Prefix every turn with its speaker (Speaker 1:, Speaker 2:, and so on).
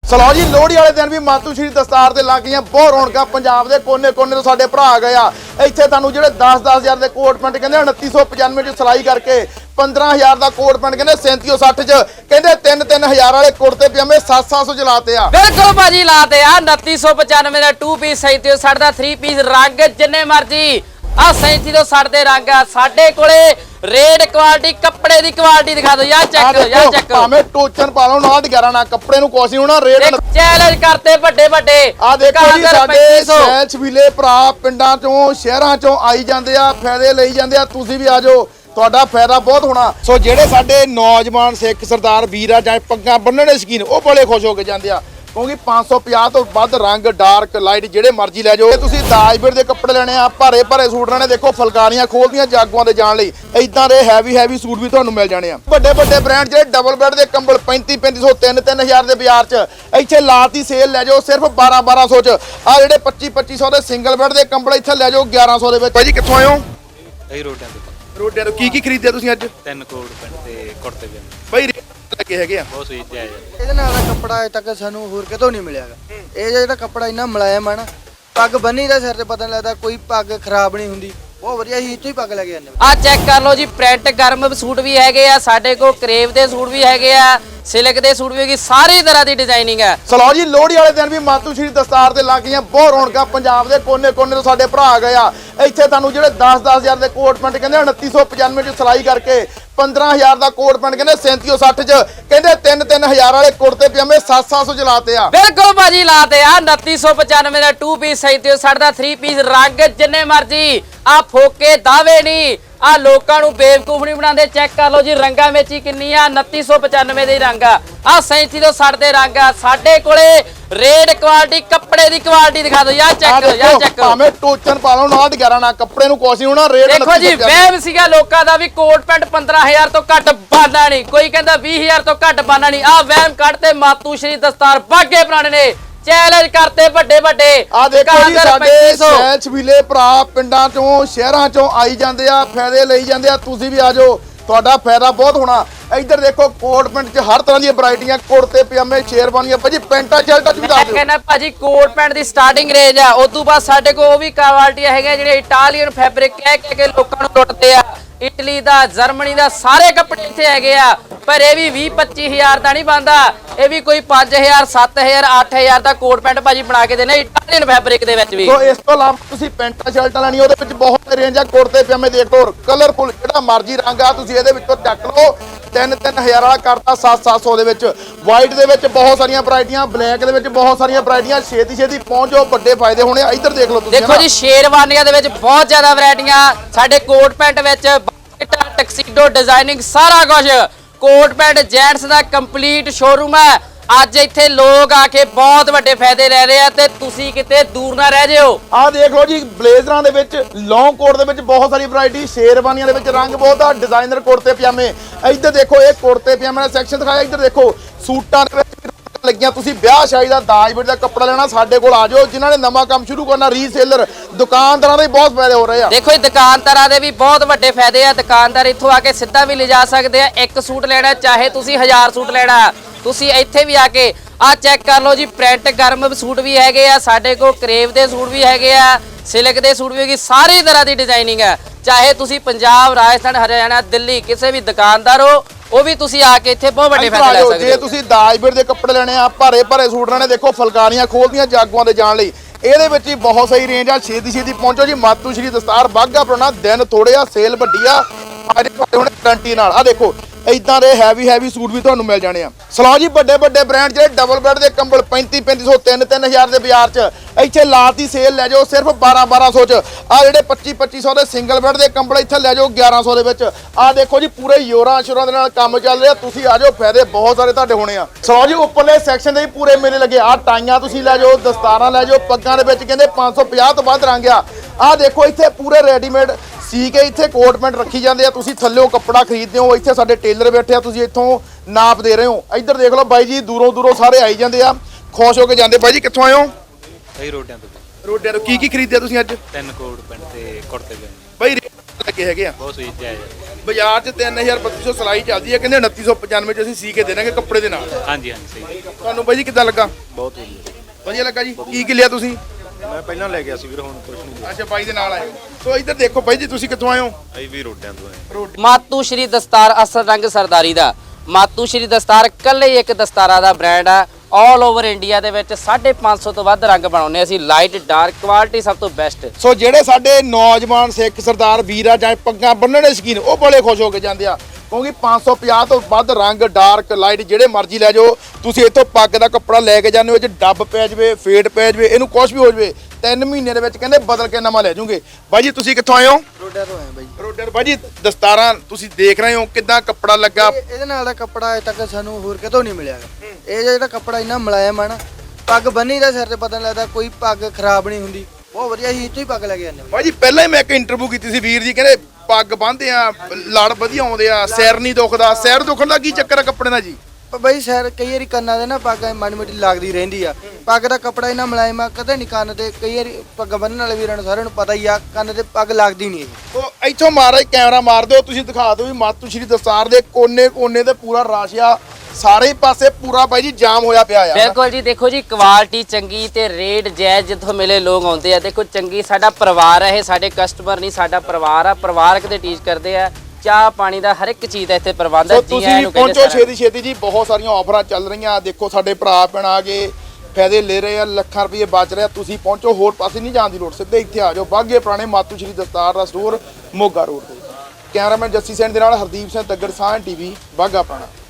Speaker 1: Slow ਜੀ ਲੋਹੜੀ ਵਾਲੇ ਦਿਨ ਵੀ ਮਾਤੂ ਸ਼੍ਰੀ ਦਸਤਾਰ ਤੇ ਲੱਗ ਗਈਆਂ ਬਹੁਤ ਰੌਣਕਾਂ। ਪੰਜਾਬ ਦੇ ਕੋਨੇ-ਕੋਨੇ ਤੋਂ ਸਾਡੇ ਭਰਾ ਗਏ ਆ। ਇੱਥੇ ਤੁਹਾਨੂੰ ਜਿਹੜੇ 10-10,000 ਦੇ ਕੋਟ ਪੈਂਟ ਕਹਿੰਦੇ 2995 ਚ ਸਿਲਾਈ ਕਰਕੇ 15,000 ਦਾ ਕੋਟ ਪੈਂਟ ਕਹਿੰਦੇ 3760 ਚ ਕਹਿੰਦੇ 3-3000 ਵਾਲੇ ਕੁੜਤੇ ਪਜਾਮੇ 700 ਚ ਲਾਤੇ ਆ।
Speaker 2: ਬਿਲਕੁਲ ਭਾਜੀ ਲਾਤੇ ਆ 2995 ਦਾ 2 ਪੀਸ 3760 ਦਾ 3 ਪੀਸ ਰੰਗ ਜਿੰਨੇ ਮਰਜੀ ਆ 3760 ਦੇ ਰੰਗ ਆ ਸਾਡੇ ਕੋਲੇ। ਰੇਡ ਕੁਆਲਿਟੀ ਕੱਪੜੇ ਦੀ ਕੁਆਲਿਟੀ ਦਿਖਾ ਦਿਓ ਯਾਰ ਚੈੱਕ
Speaker 1: ਭਾਵੇਂ ਟੋਚਨ ਪਾ ਲਓ ਨਾ 11 ਨਾ ਕੱਪੜੇ ਨੂੰ ਕੁਛ ਨਹੀਂ ਹੋਣਾ। ਰੇਡ
Speaker 2: ਚੈਲੰਜ ਕਰਤੇ ਵੱਡੇ
Speaker 1: ਆ ਦੇਖੋ ਜੀ ਸਾਡੇ ਸ਼ਹਿਰ ਛਬੀਲੇ ਭਰਾ ਪਿੰਡਾਂ ਚੋਂ ਸ਼ਹਿਰਾਂ ਚੋਂ ਆਈ ਜਾਂਦੇ ਆ, ਫਾਇਦੇ ਲਈ ਜਾਂਦੇ ਆ। ਤੁਸੀਂ ਵੀ ਆ ਜਾਓ, ਤੁਹਾਡਾ ਫਾਇਦਾ ਬਹੁਤ ਹੋਣਾ। ਸੋ ਜਿਹੜੇ ਸਾਡੇ ਨੌਜਵਾਨ ਸਿੱਖ ਸਰਦਾਰ ਵੀਰ ਆ ਜਾਂ ਪੱਗਾਂ ਬੰਨਣ ਦੇ ਸ਼ੌਕੀਨ ਉਹ ਬੜੇ ਖੁਸ਼ ਹੋ ਕੇ ਜਾਂਦੇ ਆ, ਕਿਉਂਕਿ 550 ਤੋਂ ਵੱਧ ਰੰਗ ਡਾਰਕ ਲਾਈਟ ਜਿਹੜੇ ਮਰਜ਼ੀ ਲੈ ਜਾਓ। ਤੁਸੀਂ ਦਾਜਬੀਰ ਦੇ ਕੱਪੜੇ ਲੈਣੇ ਆ, ਭਾਰੇ ਸੂਟ ਲੈਣੇ, ਦੇਖੋ ਫੁਲਕਾਰੀਆਂ ਖੋਲਦੀਆਂ ਜਾਗੂਆਂ ਦੇ ਜਾਣ ਲਈ ਇਦਾਂ ਦੇ ਹੈਵੀ ਸੂਟ ਵੀ ਤੁਹਾਨੂੰ ਮਿਲ ਜਾਣੇ ਆ। ਵੱਡੇ ਬ੍ਰਾਂਡ ਜਿਹੜੇ ਡਬਲ ਬੈੱਡ ਦੇ ਕੰਬਲ 3500 3-3000 ਦੇ ਬਾਜ਼ਾਰ 'ਚ ਇੱਥੇ ਲਾਤੀ ਸੇਲ ਲੈ ਜਾਓ ਸਿਰਫ 1200 ਚ। ਆ ਜਿਹੜੇ 2500 ਦੇ ਸਿੰਗਲ ਬੈੱਡ ਦੇ ਕੰਬਲ ਇੱਥੇ ਲੈ ਜਾਓ 1100 ਦੇ ਵਿੱਚ। ਭਾਜੀ ਕਿੱਥੋਂ ਆਏ ਹੋ?
Speaker 3: ਇਹ ਰੋਡਾਂ
Speaker 1: ਤੋਂ ਕੀ ਖਰੀਦਿਆ ਤੁਸੀਂ ਅੱਜ?
Speaker 3: 3 ਕੋਟ ਪੈਂਟ ਤੇ ਕੁੜਤੇ ਪਜਾਮੇ
Speaker 1: ਭਾਈ ਲੱਗੇ ਹੈਗੇ ਆ
Speaker 3: ਬਹੁਤ ਸਹੀ ਤੇ ਆਇਆ।
Speaker 4: ਇਹਦੇ ਨਾਲ ਦਾ ਕੱਪੜਾ ਅਜੇ ਤੱਕ ਸਾਨੂੰ ਹੋਰ ਕਿਤੋਂ ਨਹੀਂ ਮਿਲਿਆਗਾ। ਇਹ ਜਿਹੜਾ ਕੱਪੜਾ ਇੰਨਾ ਮੁਲਾਇਮ ਆ ਨਾ, ਪੱਗ ਬੰਨੀ ਦਾ ਸਿਰ ਤੇ ਪਤਾ ਨਹੀਂ ਲੱਗਦਾ, ਕੋਈ ਪੱਗ ਖਰਾਬ ਨਹੀਂ ਹੁੰਦੀ। ਬਹੁਤ ਵਧੀਆ ਹੀ ਇੱਥੋਂ ਹੀ ਪੱਗ ਲੈ ਕੇ ਜਾਂਦੇ
Speaker 2: ਆ ਚੈੱਕ ਕਰ ਲਓ ਜੀ ਪ੍ਰਿੰਟ ਗਰਮ ਸੂਟ ਵੀ ਹੈਗੇ ਆ ਸਾਡੇ ਕੋਲ, ਕਰੇਵ ਦੇ ਸੂਟ ਵੀ ਹੈਗੇ ਆ, ਸਿਲਕ ਦੇ ਸੂਟ ਵੀ ਹੈਗੇ, ਸਾਰੀ ਤਰ੍ਹਾਂ ਦੀ ਡਿਜ਼ਾਈਨਿੰਗ ਹੈ।
Speaker 1: ਸਲੋ ਜੀ ਲੋਹੜੀ ਵਾਲੇ ਦਿਨ ਵੀ ਮਾਤੂ ਸ਼੍ਰੀ ਦਸਤਾਰ ਤੇ ਲੱਗ ਗਈਆਂ ਬਹੁਤ ਰੌਣਕਾਂ। ਪੰਜਾਬ ਦੇ ਕੋਨੇ-ਕੋਨੇ ਤੋਂ ਸਾਡੇ ਭਰਾ ਗਏ ਆ। ਇੱਥੇ ਤੁਹਾਨੂੰ ਜਿਹੜੇ 10-10,000 ਦੇ ਕੋਟ ਪੈਂਟ ਕਹਿੰਦੇ 2995 ਚ ਸਿਲਾਈ ਕਰਕੇ 15,000 ਦਾ ਕੋਟ ਪੈਂਟ ਕਹਿੰਦੇ 3760 ਚ ਕਹਿੰਦੇ 3-3000 ਵਾਲੇ ਕੁੜਤੇ ਪਜਾਮੇ 700 ਚ ਲਾਤੇ ਆ।
Speaker 2: ਬਿਲਕੁਲ ਭਾਜੀ ਲਾਤੇ ਆ 2995 ਦਾ 2 ਪੀਸ 3760 ਦਾ 3 ਪੀਸ ਰੰਗ ਜਿੰਨੇ ਮਰਜੀ ਆ ਫੋਕੇ ਦਾਵੇ ਨਹੀਂ ਆ ਲੋਕਾਂ ਨੂੰ ਬੇਵਕੂਫ ਨਹੀਂ ਬਣਾਉਂਦੇ। ਚੈੱਕ ਕਰ ਲਓ ਜੀ ਰੰਗਾਂ ਵਿੱਚ ਹੀ ਕਿੰਨੀ ਆ 2995 ਦੇ ਰੰਗ ਆ 3760 ਦੇ ਰੰਗ ਆ ਸਾਡੇ ਕੋਲੇ। ਰੇਡ ਕੁਆਲਿਟੀ ਕੱਪੜੇ ਦੀ ਕੁਆਲਿਟੀ ਦਿਖਾ ਦਿਓ ਯਾਰ ਚੈੱਕ
Speaker 1: ਭਾਵੇਂ ਟੋਚਨ ਪਾ ਲਓ ਨਾ 11 ਨਾ ਕੱਪੜੇ ਨੂੰ ਕੁਛ ਨਹੀਂ ਹੋਣਾ। ਰੇਡ
Speaker 2: ਦੇਖੋ ਜੀ ਵਹਿਮ ਸੀਗਾ ਲੋਕਾਂ ਦਾ ਵੀ ਕੋਟ ਪੈਂਟ 15,000 ਤੋਂ ਘੱਟ ਬਾਨਾ ਨਹੀਂ, ਕੋਈ ਕਹਿੰਦਾ 20,000 ਤੋਂ ਘੱਟ ਬਾਨਾ ਨਹੀਂ। ਆ ਵਹਿਮ ਕੱਢਤੇ ਮਾਤੂ ਸ਼੍ਰੀ ਦਸਤਾਰ ਬਾਗੇ ਪੁਰਾਣੇ ਨੇ ਚੈਲੰਜ ਕਰਤੇ ਵੱਡੇ
Speaker 1: ਆ ਦੇਖੋ ਜੀ ਸਾਡੇ ਸ਼ਹਿਰ ਛਬੀਲੇ ਭਰਾ ਪਿੰਡਾਂ ਚੋਂ ਸ਼ਹਿਰਾਂ ਚੋਂ ਆਈ ਜਾਂਦੇ ਆ, ਫਾਇਦੇ ਲਈ ਜਾਂਦੇ ਆ। ਤੁਸੀਂ ਵੀ ਆ ਜਾਓ, ਤੁਹਾਡਾ ਫਾਇਦਾ ਬਹੁਤ ਹੋਣਾ। ਇੱਧਰ ਦੇਖੋ ਕੋਟ ਪੈਂਟ 'ਚ ਹਰ ਤਰ੍ਹਾਂ ਦੀਆਂ ਵੈਰਾਈਟੀਆਂ, ਕੁੜਤੇ ਪਜਾਮੇ, ਸ਼ੇਰਵਾਨੀਆਂ। ਭਾਜੀ ਪੈਂਟਾਂ ਸ਼ਰਟਾਂ 'ਚ ਵੀ ਦੱਸ ਦਿਓ।
Speaker 2: ਕਹਿੰਦਾ ਭਾਜੀ ਕੋਟ ਪੈਂਟ ਦੀ ਸਟਾਰਟਿੰਗ ਰੇਂਜ ਆ, ਉਸ ਤੋਂ ਬਾਅਦ ਸਾਡੇ ਕੋਲ ਉਹ ਵੀ ਕੁਆਲਿਟੀਆਂ ਹੈਗੀਆਂ ਜਿਹੜੇ ਇਟਾਲੀਅਨ ਫੈਬਰਿਕ ਕਹਿ ਕੇ ਲੋਕਾਂ ਨੂੰ ਲੁੱਟਦੇ ਆ। ਇਟਲੀ ਦਾ, ਜਰਮਨੀ ਦਾ ਸਾਰੇ ਕੱਪੜੇ ਇੱਥੇ ਹੈਗੇ ਆ, ਪਰ ਇਹ ਵੀ 20-25,000 ਦਾ ਨਹੀਂ ਬਣਦਾ। ਇਹ ਵੀ ਕੋਈ 5,000 7,000 8,000 ਦਾ ਕੋਟ ਪੈਂਟ ਭਾਜੀ ਬਣਾ ਕੇ ਦੇਣਾ ਇਟਾਲੀਅਨ ਫੈਬਰਿਕ ਦੇ ਵਿੱਚ ਵੀ।
Speaker 1: ਸੋ ਇਸ ਤੋਂ ਇਲਾਵਾ ਤੁਸੀਂ ਪੈਂਟਾਂ ਸ਼ਰਟਾਂ ਲੈਣੀ, ਉਹਦੇ ਵਿੱਚ ਬਹੁਤ ਰੇਂਜ ਆ। ਕੁੜਤੇ ਪਜਾਮੇ ਦੇਖ ਲਓ, ਕਲਰਫੁਲ ਜਿਹੜਾ ਮਰਜ਼ੀ ਰੰਗ ਆ ਤੁਸੀਂ ਇਹਦੇ ਵਿੱਚੋਂ ਚੱਕ ਲਓ। 3-3000 ਵਾਲਾ ਕਰਤਾ 700 ਦੇ ਵਿੱਚ। ਵਾਈਟ ਦੇ ਵਿੱਚ ਬਹੁਤ ਸਾਰੀਆਂ ਵੈਰਾਈਟੀਆਂ, ਬਲੈਕ ਦੇ ਵਿੱਚ ਬਹੁਤ ਸਾਰੀਆਂ ਵੈਰਾਈਟੀਆਂ। ਛੇਤੀ ਪਹੁੰਚ ਜਾਓ, ਵੱਡੇ ਫਾਇਦੇ ਹੋਣੇ ਆ। ਇੱਧਰ ਦੇਖ ਲਓ ਤੁਸੀਂ।
Speaker 2: ਦੇਖੋ ਜੀ ਸ਼ੇਰਵਾਨੀਆਂ ਦੇ ਵਿੱਚ ਬਹੁਤ ਜ਼ਿਆਦਾ ਵੈਰਾਈਟੀਆਂ, ਸਾਡੇ ਕੋਟ ਪੈਂਟ ਵਿੱਚ ਟੈਕਸੀਡੋ ਡਿਜ਼ਾਈਨਿੰਗ ਸਾਰਾ ਕੁਝ। ਕੋਟ ਪੈਂਟ ਜੈਂਟਸ ਦਾ ਕੰਪਲੀਟ ਸ਼ੋਰੂਮ ਹੈ। ਅੱਜ ਇੱਥੇ ਲੋਕ ਆ ਕੇ ਬਹੁਤ ਵੱਡੇ ਫਾਇਦੇ ਲੈ ਰਹੇ ਆ ਤੇ ਤੁਸੀਂ ਕਿਤੇ ਦੂਰ ਨਾ ਰਹਿ ਜਿਓ।
Speaker 1: ਆਹ ਦੇਖ ਲਓ ਜੀ ਬਲੇਜ਼ਰਾਂ ਦੇ ਵਿੱਚ, ਲੌਂਗ ਕੋਟ ਦੇ ਵਿੱਚ ਬਹੁਤ ਸਾਰੀ ਵੈਰਾਈਟੀ, ਸ਼ੇਰਵਾਨੀਆਂ ਦੇ ਵਿੱਚ ਰੰਗ ਬਹੁਤ ਆ, ਡਿਜ਼ਾਈਨਰ ਕੁੜਤੇ ਪਜਾਮੇ। ਇੱਧਰ ਦੇਖੋ ਇਹ ਕੁੜਤੇ ਪਜਾਮੇ ਦਾ ਸੈਕਸ਼ਨ ਦਿਖਾਇਆ। ਇੱਧਰ ਦੇਖੋ ਸੂਟਾਂ ਦੇ ਵਿੱਚ ਲੱਗੀਆਂ। ਤੁਸੀਂ ਵਿਆਹ ਸ਼ਾਦੀ ਦਾ ਦਾਜ-ਬੀੜ ਦਾ ਕੱਪੜਾ ਲੈਣਾ ਸਾਡੇ ਕੋਲ ਆ ਜਾਓ। ਜਿਨ੍ਹਾਂ ਨੇ ਨਵਾਂ ਕੰਮ ਸ਼ੁਰੂ ਕਰਨਾ, ਰੀਸੇਲਰ, ਦੁਕਾਨਦਾਰਾਂ ਦੇ ਬਹੁਤ ਫਾਇਦੇ ਹੋ ਰਹੇ ਆ।
Speaker 2: ਦੇਖੋ ਇਹ ਦੁਕਾਨਦਾਰਾਂ ਦੇ ਵੀ ਬਹੁਤ ਵੱਡੇ ਫਾਇਦੇ ਆ। ਦੁਕਾਨਦਾਰ ਇੱਥੋਂ ਆ ਕੇ ਸਿੱਧਾ ਵੀ ਲਿਜਾ ਸਕਦੇ ਆ। ਇੱਕ ਸੂਟ ਲੈਣਾ ਚਾਹੇ ਤੁਸੀਂ 1000 ਸੂਟ ਲੈਣਾ, ਤੁਸੀਂ ਇੱਥੇ ਵੀ ਆ ਕੇ ਆ ਚੈੱਕ ਕਰ ਲਓ ਜੀ। ਪ੍ਰਿੰਟ ਗਰਮ ਸੂਟ ਵੀ ਹੈਗੇ ਆ ਸਾਡੇ ਕੋਲ, ਕਰੇਵ ਦੇ ਸੂਟ ਵੀ ਹੈਗੇ ਆ, ਸਿਲਕ ਦੇ ਸੂਟ ਵੀ ਹੈਗੇ, ਸਾਰੀ ਤਰ੍ਹਾਂ ਦੀ ਡਿਜ਼ਾਈਨਿੰਗ ਹੈ। ਚਾਹੇ ਤੁਸੀਂ ਪੰਜਾਬ, ਰਾਜਸਥਾਨ, ਹਰਿਆਣਾ, ਦਿੱਲੀ ਕਿਸੇ ਵੀ ਦੁਕਾਨਦਾਰ ਹੋ, ਉਹ ਵੀ ਤੁਸੀਂ ਆ ਕੇ ਇੱਥੇ ਬਹੁਤ ਵੱਡੇ ਫਾਇਦੇ ਲੈ ਸਕਦੇ ਹੋ।
Speaker 1: ਜੇ ਤੁਸੀਂ ਦਾਜ-ਬੀੜ ਦੇ ਕੱਪੜੇ ਲੈਣੇ ਆ, ਭਾਰੇ ਸੂਟ ਲੈਣੇ, ਦੇਖੋ ਫੁਲਕਾਰੀਆਂ ਖੋਲਦੀਆਂ ਜਾਗੂਆਂ ਦੇ ਜਾਣ ਲਈ ਇਹਦੇ ਵਿੱਚ ਹੀ ਬਹੁਤ ਸਹੀ ਰੇਂਜ ਆ। ਛੇਤੀ ਪਹੁੰਚੋ ਜੀ ਮਾਤੂ ਸ਼੍ਰੀ ਦਸਤਾਰ ਬਾਗਾ ਪੁਰਾਣਾ। ਦਿਨ ਥੋੜੇ ਆ, ਸੇਲ ਵੱਡੀ ਆ, ਅੱਜ ਤੁਹਾਡੇ ਹੁਣ ਗਰੰਟੀ ਨਾਲ। ਆ ਦੇਖੋ ਇਦਾਂ ਦੇ ਹੈਵੀ ਸੂਟ ਵੀ ਤੁਹਾਨੂੰ ਮਿਲ ਜਾਣੇ ਆ। ਸਲੋ ਜੀ ਵੱਡੇ ਬ੍ਰਾਂਡ ਜਿਹੜੇ ਡਬਲ ਬੈੱਡ ਦੇ ਕੰਬਲ 3500 3-3000 ਦੇ ਬਾਜ਼ਾਰ 'ਚ ਇੱਥੇ ਲਾਤੀ ਸੇਲ ਲੈ ਜਾਓ ਸਿਰਫ 1200 ਚ। ਆ ਜਿਹੜੇ 2500 ਦੇ ਸਿੰਗਲ ਬੈੱਡ ਦੇ ਕੰਬਲ ਇੱਥੇ ਲੈ ਜਾਓ 1100 ਦੇ ਵਿੱਚ। ਆ ਦੇਖੋ ਜੀ ਪੂਰੇ ਯੋਰਾਂ ਸ਼ੋਰਾਂ ਦੇ ਨਾਲ ਕੰਮ ਚੱਲ ਰਿਹਾ। ਤੁਸੀਂ ਆ ਜਾਓ, ਫਾਇਦੇ ਬਹੁਤ ਸਾਰੇ ਤੁਹਾਡੇ ਹੋਣੇ ਆ। ਸਲੋ ਜੀ ਉੱਪਰਲੇ ਸੈਕਸ਼ਨ ਦੇ ਵੀ ਪੂਰੇ ਮੇਲੇ ਲੱਗੇ ਆ। ਟਾਈਆਂ ਤੁਸੀਂ ਲੈ ਜਾਓ, ਦਸਤਾਰਾਂ ਲੈ ਜਾਓ, ਪੱਗਾਂ ਦੇ ਵਿੱਚ ਕਹਿੰਦੇ 550 ਤੋਂ ਵੱਧ ਰੰਗ ਆ। ਆ ਦੇਖੋ ਇੱਥੇ ਪੂਰੇ ਰੈਡੀਮੇਡ ਸੀ ਕੇ ਇੱਥੇ ਕੋਟ ਪੈਂਟ ਰੱਖੀ ਜਾਂਦੇ ਆ। ਤੁਸੀਂ ਥੱਲੇੋਂ ਕੱਪੜਾ ਖਰੀਦਦੇ ਹੋ, ਇੱਥੇ ਸਾਡੇ ਟੇਲਰ ਬੈਠੇ ਆ, ਤੁਸੀਂ ਇੱਥੋਂ ਨਾਪ ਦੇ ਰਹੇ ਹੋ। ਇੱਧਰ ਦੇਖ ਲਓ ਬਾਈ ਜੀ ਦੂਰੋਂ ਸਾਰੇ ਆਈ ਜਾਂਦੇ ਆ, ਖੁਸ਼ ਹੋ ਕੇ ਜਾਂਦੇ। ਬਾਈ ਜੀ ਕਿੱਥੋਂ ਆਏ ਹੋ?
Speaker 3: ਇਹ ਰੋਡਾਂ
Speaker 1: ਤੋਂ ਕੀ ਖਰੀਦਿਆ ਤੁਸੀਂ ਅੱਜ?
Speaker 3: 3 ਕੋਟ ਪੈਂਟ ਤੇ ਕੁੜਤੇ ਪਜਾਮੇ
Speaker 1: ਬਾਈ ਲੱਗੇ ਹੈਗੇ ਆ
Speaker 3: ਬਹੁਤ ਸਹੀ ਤੇ ਆਇਆ।
Speaker 1: ਬਾਜ਼ਾਰ 'ਚ 3200 ਸਿਲਾਈ ਚੱਲਦੀ ਹੈ, ਕਹਿੰਦੇ 2995 'ਚ ਅਸੀਂ ਸੀ ਕੇ ਦੇਣਾਗੇ ਕੱਪੜੇ ਦੇ ਨਾਲ।
Speaker 3: ਹਾਂਜੀ ਹਾਂਜੀ ਸਹੀ।
Speaker 1: ਤੁਹਾਨੂੰ ਬਾਈ ਜੀ ਕਿੱਦਾਂ ਲੱਗਾ?
Speaker 5: ਬਹੁਤ ਵਧੀਆ।
Speaker 1: ਵਧੀਆ ਲੱਗਾ ਜੀ। ਕੀ ਲਿਆ ਤੁਸੀਂ?
Speaker 5: ਮੈਂ ਪਹਿਲਾਂ ਲੈ ਗਿਆ ਸੀ ਵੀਰ, ਹੁਣ ਕੁਝ ਨਹੀਂ।
Speaker 1: ਅੱਛਾ ਬਾਈ ਦੇ ਨਾਲ ਆਏ ਹੋ। ਸੋ ਇੱਧਰ ਦੇਖੋ ਬਾਈ ਜੀ, ਤੁਸੀਂ ਕਿੱਥੋਂ ਆਏ ਹੋ?
Speaker 5: ਅਸੀਂ ਵੀ ਰੋਟਿਆਂ ਤੋਂ ਆਏ।
Speaker 2: ਮਾਤੂ ਸ਼੍ਰੀ ਦਸਤਾਰ ਅਸਲ ਰੰਗ ਸਰਦਾਰੀ ਦਾ। ਮਾਤੂ ਸ਼੍ਰੀ ਦਸਤਾਰ ਇਕੱਲੇ ਹੀ ਇੱਕ ਦਸਤਾਰਾਂ ਦਾ ਬ੍ਰਾਂਡ ਆ। ਆਲ ਓਵਰ ਇੰਡੀਆ ਦੇ ਵਿੱਚ 550 ਤੋਂ ਵੱਧ ਰੰਗ ਬਣਾਉਂਦੇ ਅਸੀਂ, ਲਾਈਟ ਡਾਰਕ ਕੁਆਲਿਟੀ ਸਭ ਤੋਂ ਬੈਸਟ।
Speaker 1: ਸੋ ਜਿਹੜੇ ਸਾਡੇ ਨੌਜਵਾਨ ਸਿੱਖ ਸਰਦਾਰ ਵੀਰ ਆ ਜਾਂ ਪੱਗਾਂ ਬੰਨਣ ਦੇ ਸ਼ੌਕੀਨ, ਉਹ ਬੜੇ ਖੁਸ਼ ਹੋ ਕੇ ਜਾਂਦੇ ਆ, ਕਿਉਂਕਿ 550 ਤੋਂ ਵੱਧ ਰੰਗ ਡਾਰਕ ਲਾਈਟ ਜਿਹੜੇ ਮਰਜ਼ੀ ਲੈ ਜਾਓ ਤੁਸੀਂ। ਇੱਥੋਂ ਪੱਗ ਦਾ ਕੱਪੜਾ ਲੈ ਕੇ ਜਾਂਦੇ ਹੋ, ਜੇ ਡੱਬ ਪੈ ਜਵੇ, ਫੇਟ ਪੈ ਜਵੇ, ਇਹਨੂੰ ਕੁਝ ਵੀ ਹੋ ਜਵੇ, 3 ਮਹੀਨੇ ਦੇ ਵਿੱਚ ਕਹਿੰਦੇ ਬਦਲ ਕੇ ਨਵਾਂ ਲੈ ਜੂਗੇ। ਬਾਈ ਜੀ ਤੁਸੀਂ ਕਿੱਥੋਂ ਆਏ ਹੋ?
Speaker 4: ਰੋਡਿਆਂ ਤੋਂ ਆਏ ਬਾਈ।
Speaker 1: ਰੋਡਰ ਬਾਈ ਜੀ, ਦਸਤਾਰਾਂ ਤੁਸੀਂ ਦੇਖ ਰਹੇ ਹੋ, ਕਿੱਦਾਂ ਕੱਪੜਾ ਲੱਗਾ?
Speaker 4: ਇਹਦੇ ਨਾਲ ਦਾ ਕੱਪੜਾ ਅਜੇ ਤੱਕ ਸਾਨੂੰ ਹੋਰ ਕਿਤੋਂ ਨਹੀਂ ਮਿਲਿਆਗਾ। ਇਹ ਜਿਹੜਾ ਕੱਪੜਾ ਇੰਨਾ ਮੁਲਾਇਮ ਆ ਨਾ, ਪੱਗ ਬੰਨੀ ਦਾ ਸਿਰ ਤੇ ਪਤਾ ਨਹੀਂ ਲੱਗਦਾ, ਕੋਈ ਪੱਗ ਖਰਾਬ ਨਹੀਂ ਹੁੰਦੀ, ਬਹੁਤ ਵਧੀਆ ਸੀ। ਇੱਥੋਂ ਹੀ ਪੱਗ ਲੈ ਕੇ ਜਾਂਦੇ
Speaker 1: ਬਾਈ ਜੀ ਪਹਿਲਾਂ ਹੀ ਮੈਂ ਇੱਕ ਇੰਟਰਵਿਊ ਕੀਤੀ ਸੀ, ਵੀਰ ਜੀ ਕਹਿੰਦੇ ਪੱਗ ਬੰਨ੍ਹਦੇ ਆ, ਲੜ ਵਧੀਆ ਆਉਂਦੇ ਆ, ਸਿਰ ਨਹੀਂ ਦੁਖਦਾ। ਸਿਰ ਦੁਖਣ ਦਾ ਕੀ ਚੱਕਰ ਆ ਕੱਪੜੇ ਦਾ ਜੀ?
Speaker 4: ਬਾਈ ਸਿਰ ਕਈ ਵਾਰੀ ਕੰਨਾਂ ਦੇ ਨਾ ਪੱਗ ਮਾੜੀ ਮੋਟੀ ਲੱਗਦੀ ਰਹਿੰਦੀ ਆ। ਪੱਗ ਦਾ ਕੱਪੜਾ ਇੰਨਾ ਮੁਲਾਇਮ ਆ, ਕਦੇ ਨਹੀਂ ਕੰਨ ਤੇ, ਕਈ ਵਾਰੀ ਪੱਗ ਬੰਨਣ ਵਾਲੇ ਵੀਰਾਂ ਨੂੰ ਸਾਰਿਆਂ ਨੂੰ ਪਤਾ ਹੀ ਆ, ਕੰਨ ਤੇ ਪੱਗ ਲੱਗਦੀ ਨਹੀਂ ਇਹ।
Speaker 1: ਉਹ ਇੱਥੋਂ ਮਾਰਾ ਕੈਮਰਾ ਮਾਰ ਦਿਓ, ਤੁਸੀਂ ਦਿਖਾ ਦਿਓ ਵੀ ਮਾਤੂ ਸ਼੍ਰੀ ਦਸਤਾਰ ਦੇ ਕੋਨੇ-ਕੋਨੇ ਤੇ ਪੂਰਾ ਰਸ਼ ਆ, ਸਾਰੇ ਪਾਸੇ ਪੂਰਾ ਬਾਈ ਜੀ ਜਾਮ ਹੋਇਆ ਪਿਆ ਆ।
Speaker 2: ਬਿਲਕੁਲ ਜੀ, ਦੇਖੋ ਜੀ ਕੁਆਲਿਟੀ ਚੰਗੀ ਤੇ ਰੇਟ ਜਾਇਜ਼, ਜਿੱਥੋਂ ਮਿਲੇ ਲੋਕ ਆਉਂਦੇ ਆ। ਦੇਖੋ ਚੰਗੀ, ਸਾਡਾ ਪਰਿਵਾਰ ਹੈ ਇਹ, ਸਾਡੇ ਕਸਟਮਰ ਨਹੀਂ, ਸਾਡਾ ਪਰਿਵਾਰ ਆ। ਪਰਿਵਾਰਕ ਦੇ ਟੀਚ ਕਰਦੇ ਆ, ਚਾਹ ਪਾਣੀ ਦਾ ਹਰ ਇੱਕ ਚੀਜ਼ ਦਾ ਇੱਥੇ ਪ੍ਰਬੰਧ ਹੈ।
Speaker 1: ਸੋ ਤੁਸੀਂ ਵੀ ਪਹੁੰਚੋ ਛੇਤੀ ਜੀ, ਬਹੁਤ ਸਾਰੀਆਂ ਆਫਰਾਂ ਚੱਲ ਰਹੀਆਂ। ਦੇਖੋ ਸਾਡੇ ਭਰਾ ਭੈਣ ਆ ਗਏ, ਫਾਇਦੇ ਲੈ ਰਹੇ ਆ, ਲੱਖਾਂ ਰੁਪਏ ਬਚ ਰਹੇ ਆ। ਤੁਸੀਂ ਪਹੁੰਚੋ, ਹੋਰ ਪਾਸੇ ਨਹੀਂ ਜਾਣ ਦੀ ਲੋੜ, ਸਿੱਧੇ ਇੱਥੇ ਆ ਜਾਓ। ਬਾਗੇ ਪੁਰਾਣੇ ਮਾਤੂ ਸ਼੍ਰੀ ਦਸਤਾਰ ਦਾ ਸਟੋਰ, ਮੋਗਾ ਰੋਡ ਤੇ। ਕੈਮਰਾਮੈਨ ਜੱਸੀ ਸੈਨ ਦੇ ਨਾਲ ਹਰਦੀਪ ਸਿੰਘ ਤੱਗੜ, ਸਾਂਝ ਟੀਵੀ, ਬਾਗਾ ਪੁਰਾਣਾ।